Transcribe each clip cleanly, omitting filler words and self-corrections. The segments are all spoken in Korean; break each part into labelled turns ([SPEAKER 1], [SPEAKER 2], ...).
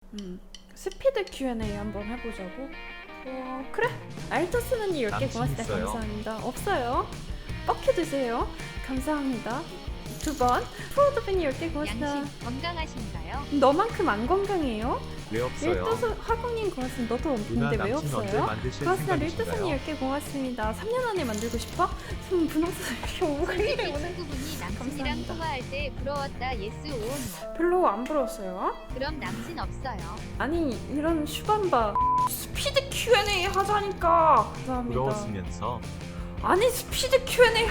[SPEAKER 1] 스피드 Q&A 한번 해보자고. 그래. 알토스는 10개 고맙습니다.
[SPEAKER 2] 있어요?
[SPEAKER 1] 감사합니다. 없어요. 뻑해 주세요. 감사합니다. 2번 프로드빈이 10개 고맙습니다.
[SPEAKER 3] 양심 건강하신가요?
[SPEAKER 1] 너만큼 안 건강해요?
[SPEAKER 2] 왜 없어요?
[SPEAKER 1] 릴도스 화공님 고맙습니다. 너도
[SPEAKER 2] 누나
[SPEAKER 1] 없는데 왜
[SPEAKER 2] 남친 언제
[SPEAKER 1] 없어요?
[SPEAKER 2] 만드실
[SPEAKER 1] 고맙습니다.
[SPEAKER 2] 생각이신가요?
[SPEAKER 1] 릴도스님 10개 고맙습니다. 3년 안에 만들고 싶어? 분홍색 이렇게 오글거리네
[SPEAKER 3] 솔직히
[SPEAKER 1] 오늘.
[SPEAKER 3] 친구분이 남친이랑
[SPEAKER 1] 감사합니다.
[SPEAKER 3] 통화할 때 부러웠다 예스 오노.
[SPEAKER 1] 별로 안 부러웠어요.
[SPEAKER 3] 그럼 남친 없어요.
[SPEAKER 1] 아니 이런 슈반바 스피드 Q&A 하자니까. 감사합니다.
[SPEAKER 2] 부러웠으면서
[SPEAKER 1] 아니 스피드 Q&A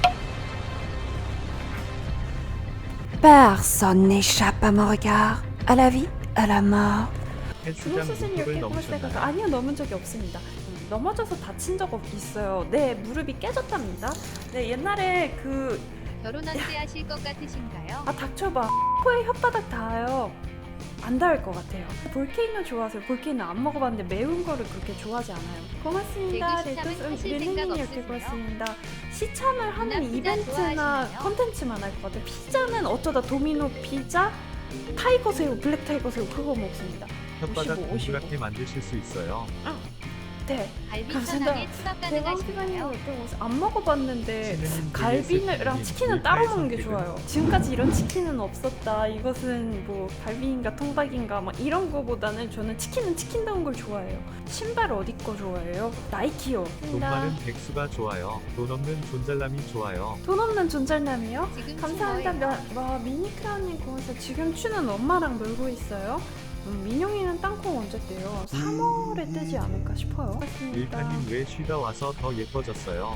[SPEAKER 1] Personne n'échappe à mon regard, à la vie, à la mort.
[SPEAKER 2] 헬스장
[SPEAKER 1] 주먹수순이
[SPEAKER 2] 무릎을
[SPEAKER 1] 이렇게
[SPEAKER 2] 넘으셨나요?
[SPEAKER 1] 고맙다가 아니요 넘은 적이 없습니다. 넘어져서 다친 적 있어요. 네 무릎이 깨졌답니다. 네 옛날에
[SPEAKER 3] 결혼 언제 하실 것 같으신가요?
[SPEAKER 1] 닥쳐봐. 코에 혓바닥 닿아요. 안 닿을 것 같아요. 볼케이노 좋아하세요? 볼케이노 안 먹어봤는데 매운 거를 그렇게 좋아하지 않아요. 고맙습니다.
[SPEAKER 3] 대구 시참은 하실 생각
[SPEAKER 1] 릴리님 이렇게
[SPEAKER 3] 없으세요?
[SPEAKER 1] 고맙습니다. 시참을 하는
[SPEAKER 3] 누나 피자
[SPEAKER 1] 이벤트나
[SPEAKER 3] 좋아하시나요?
[SPEAKER 1] 컨텐츠만 할 것 같아요. 피자는 어쩌다 도미노 피자, 타이거 새우, 블랙 타이거 새우 그거 먹습니다.
[SPEAKER 2] 혓바닥
[SPEAKER 1] 55.
[SPEAKER 2] 동그랗게 만드실 수 있어요.
[SPEAKER 1] 네.
[SPEAKER 3] 갈비
[SPEAKER 1] 감사합니다.
[SPEAKER 3] 편하게 추가
[SPEAKER 1] 대왕피자님
[SPEAKER 3] 가능하신가요?
[SPEAKER 1] 안 먹어봤는데
[SPEAKER 2] 신우님
[SPEAKER 1] 갈비랑
[SPEAKER 2] VS
[SPEAKER 1] 치킨은 따로
[SPEAKER 2] 선택은
[SPEAKER 1] 먹는 게 좋아요. 지금까지 이런 치킨은 없었다. 이것은 뭐 갈비인가 통닭인가 막 이런 거보다는 저는 치킨은 치킨다운 걸 좋아해요. 신발 어디 거 좋아해요? 나이키요.
[SPEAKER 2] 돈 많은 백수가 좋아요. 돈 없는 존잘남이 좋아요.
[SPEAKER 1] 돈 없는 존잘남이요?
[SPEAKER 3] 지금
[SPEAKER 1] 감사합니다.
[SPEAKER 3] 뭐예요?
[SPEAKER 1] 미니크라님 고맙습니다. 지금 추는 엄마랑 놀고 있어요. 민영이는 땅콩 언제 떼요? 3월에 떼지 않을까 싶어요. 고맙습니다.
[SPEAKER 2] 일타님 왜 쉬다 와서 더 예뻐졌어요?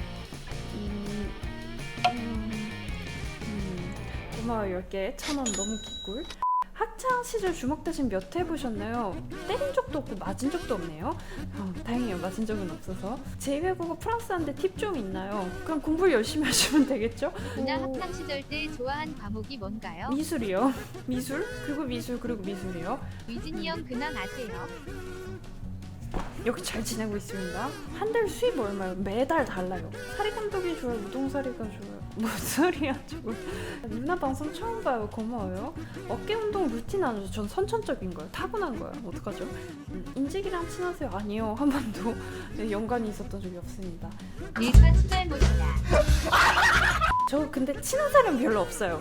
[SPEAKER 1] 고마워요. 10개 1,000원 너무 기꿀. 학창 시절 주먹 대신 몇 회 해보셨나요? 때린 적도 없고 맞은 적도 없네요. 다행이에요. 맞은 적은 없어서. 제2외국어 프랑스한테 팁 좀 있나요? 그럼 공부 열심히 하시면 되겠죠?
[SPEAKER 3] 누나 학창 시절 때 좋아한 과목이 뭔가요?
[SPEAKER 1] 미술이요. 미술? 그리고 미술 그리고 미술이요.
[SPEAKER 3] 위진이 형 근황 아세요?
[SPEAKER 1] 여기 잘 지내고 있습니다. 한 달 수입 얼마요? 매달 달라요. 사리 감독이 좋아요? 우동사리가 좋아요? 뭔 소리야 저거. 누나 방송 처음 봐요. 고마워요. 어깨 운동 루틴 아니죠? 전 선천적인 거예요. 타고난 거예요. 어떡하죠? 인직이랑 친하세요? 아니요. 한 번도 연관이 있었던 적이 없습니다.
[SPEAKER 3] 일반 수달 모시다.
[SPEAKER 1] 저 근데 친한 사람 별로 없어요.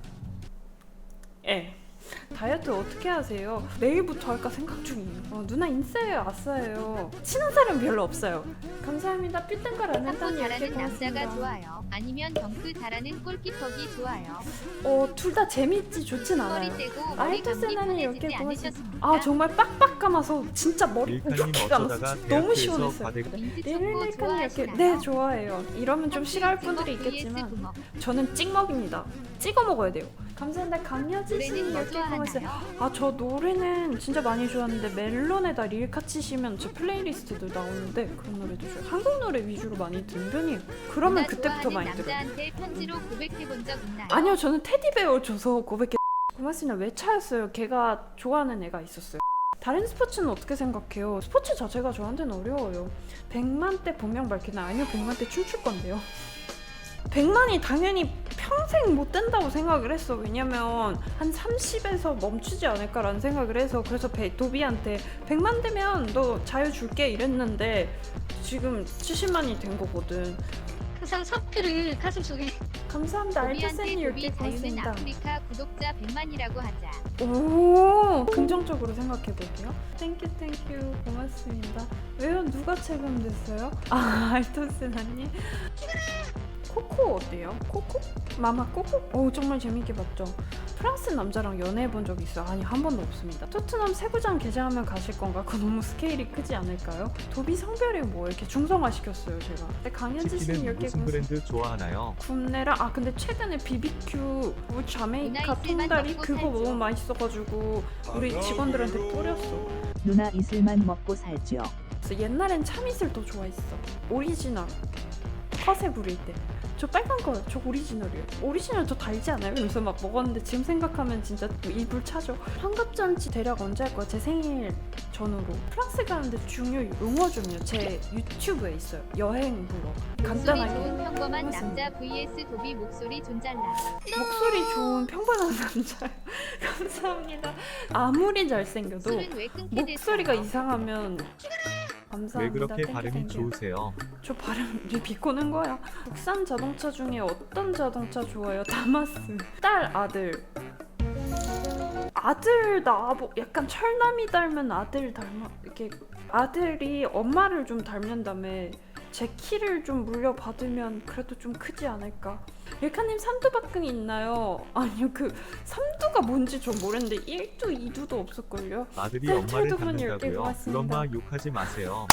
[SPEAKER 1] 예. 다이어트 어떻게 하세요? 내일부터 할까 생각 중이에요. 누나 인싸예요? 아싸예요? 친한 사람 별로 없어요. 감사합니다. 삐뚤걸 안
[SPEAKER 3] 탁구
[SPEAKER 1] 했더니 이렇게
[SPEAKER 3] 잘하는 남자가
[SPEAKER 1] 고맙습니다.
[SPEAKER 3] 좋아요. 아니면 덩크 잘하는 골키퍼기 좋아요.
[SPEAKER 1] 둘 다 재밌지 좋진
[SPEAKER 3] 머리
[SPEAKER 1] 않아요.
[SPEAKER 3] 떼고 머리 감기
[SPEAKER 1] 알토세나는 이렇게
[SPEAKER 3] 편해지지
[SPEAKER 1] 고맙습니다.
[SPEAKER 3] 않으셨습니까?
[SPEAKER 1] 정말 빡빡 감아서 진짜 머리
[SPEAKER 2] 일타님
[SPEAKER 1] 이렇게 감았어.
[SPEAKER 2] 어쩌다가
[SPEAKER 1] 진짜 너무
[SPEAKER 2] 대학교에서
[SPEAKER 1] 시원했어요.
[SPEAKER 2] 과대가
[SPEAKER 3] 민트 초코
[SPEAKER 1] 릴리카님 이렇게
[SPEAKER 3] 좋아하시나요?
[SPEAKER 1] 네 좋아해요. 이러면 좀 싫어할 분들이 있겠지만 저는 찍먹입니다. 찍어 먹어야 돼요. 감사합니다. 강여진 씨
[SPEAKER 3] 노래는 뭐
[SPEAKER 1] 이렇게 고맙어요.
[SPEAKER 3] 좋아하나요?
[SPEAKER 1] 저 노래는 진짜 많이 좋아하는데 멜론에다 릴카 치시면 제 플레이리스트도 나오는데 그런 노래도 좋아요. 한국 노래 위주로 많이 듣는 편이에요. 그러면
[SPEAKER 3] 누나
[SPEAKER 1] 그때부터
[SPEAKER 3] 좋아하는
[SPEAKER 1] 많이 들어요.
[SPEAKER 3] 남자한테 편지로 고백해본 적 있나요?
[SPEAKER 1] 아니요, 저는 테디베어 줘서 고백해. 고맙습니다. 왜 차였어요? 걔가 좋아하는 애가 있었어요. 다른 스포츠는 어떻게 생각해요? 스포츠 자체가 저한테는 어려워요. 100만 대 본명 밝히나? 아니요, 100만 대 춤출 건데요. 100만이 당연히 평생 못 된다고 생각을 했어. 왜냐면 한 30에서 멈추지 않을까라는 생각을 해서 그래서 도비한테 100만 되면 너 자유 줄게 이랬는데 지금 70만이 된 거거든.
[SPEAKER 4] 항상 사표를 가슴속에.
[SPEAKER 1] 감사합니다.
[SPEAKER 3] 도비한테
[SPEAKER 1] 알토센이 이렇게
[SPEAKER 3] 도비 자유는
[SPEAKER 1] 고맙습니다.
[SPEAKER 3] 아프리카 구독자 100만이라고 하자.
[SPEAKER 1] 오, 긍정적으로 생각해 볼게요. 땡큐 고맙습니다. 왜요? 누가 체감됐어요? 알토스나님. 코코 어때요? 코코? 마마 코코? 정말 재밌게 봤죠. 프랑스 남자랑 연애해 본 적 있어요? 아니 한 번도 없습니다. 토트넘 세구장 개장하면 가실 건가? 그거 너무 스케일이 크지 않을까요? 도비 성별이 뭐 이렇게 중성화 시켰어요 제가. 근데 강현지 씨는
[SPEAKER 2] 치킨은
[SPEAKER 1] 이렇게
[SPEAKER 2] 무슨 브랜드 좋아하나요?
[SPEAKER 1] 굽네라. 근데 최근에 BBQ 자메이카
[SPEAKER 3] 이슬만
[SPEAKER 1] 통다리
[SPEAKER 3] 먹고
[SPEAKER 1] 그거
[SPEAKER 3] 살죠.
[SPEAKER 1] 너무 맛있어가지고 우리 직원들한테 뿌렸어.
[SPEAKER 5] 누나 이슬만 먹고 살죠.
[SPEAKER 1] 그래서 옛날엔 참이슬 더 좋아했어. 오리지널 컷에 부릴 때. 저 빨간 거요. 저 오리지널이에요. 오리지널 더 달지 않아요? 그래서 막 먹었는데 지금 생각하면 진짜 일불 차죠. 환갑잔치 대략 언제 할 거야? 제 생일 전후로. 프랑스 가는데 중요 용어 좀요. 제 유튜브에 있어요. 여행 블ог.
[SPEAKER 3] 목소리
[SPEAKER 1] 간단하게.
[SPEAKER 3] 좋은 평범한
[SPEAKER 1] 해봤습니다.
[SPEAKER 3] 남자 vs 도비 목소리 존잘라.
[SPEAKER 1] 목소리 좋은 평범한 남자. 감사합니다. 아무리 잘생겨도
[SPEAKER 3] 술은 왜 끊게
[SPEAKER 1] 목소리가
[SPEAKER 3] 됐어요?
[SPEAKER 1] 이상하면 감사합니다.
[SPEAKER 2] 왜 그렇게
[SPEAKER 1] 땡큐,
[SPEAKER 2] 발음이
[SPEAKER 1] 땡큐.
[SPEAKER 2] 좋으세요?
[SPEAKER 1] 저 발음 비꼬는 거야. 국산 자동차 중에 어떤 자동차 좋아요? 다마스. 딸 아들. 아들 나보 약간 철남이 닮은 아들 닮아. 이렇게 아들이 엄마를 좀 닮는다며 제 키를 좀 물려받으면 그래도 좀 크지 않을까. 일카님 삼두박근이 있나요? 아니요, 그 삼두가 뭔지 저 모르는데 1두 2두도 없을걸요.
[SPEAKER 2] 아들이
[SPEAKER 1] 네,
[SPEAKER 2] 엄마를
[SPEAKER 1] 찰도분 10개
[SPEAKER 2] 닮는다고요?
[SPEAKER 1] 고맙습니다.
[SPEAKER 2] 그엄마 욕하지 마세요.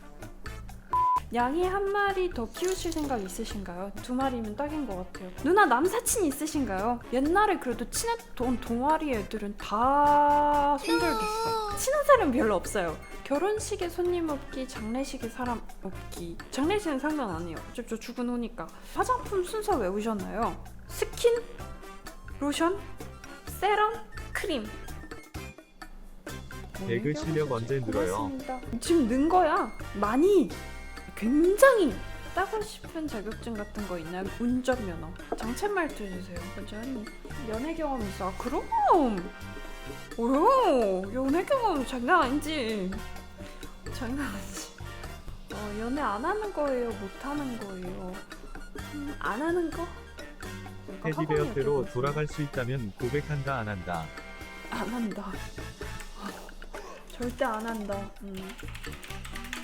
[SPEAKER 1] 양이 한 마리 더 키우실 생각 있으신가요? 2마리면 딱인 것 같아요. 누나 남사친 있으신가요? 옛날에 그래도 친했던 동아리 애들은 다 손절됐어. 친한 사람 별로 없어요. 결혼식에 손님 없기, 장례식에 사람 없기. 장례식은 상관 안 해요. 어차피 저 죽은 후니까. 화장품 순서 외우셨나요? 스킨, 로션, 세럼, 크림.
[SPEAKER 2] 배그 실력 언제 늘어요?
[SPEAKER 1] 고맙습니다. 지금 는 거야. 많이. 굉장히 따고 싶은 자격증 같은 거 있나요? 운전면허. 장첸 말투 해주세요. 완전히 연애 경험 있어. 아, 그럼. 오요. 연애 경험 장난 아니지. 장난 아니지. 연애 안 하는 거예요? 못 하는 거예요? 안 하는 거?
[SPEAKER 2] 테디베어 때로 돌아갈 수 있다면 고백한다 안 한다.
[SPEAKER 1] 안 한다. 절대 안 한다.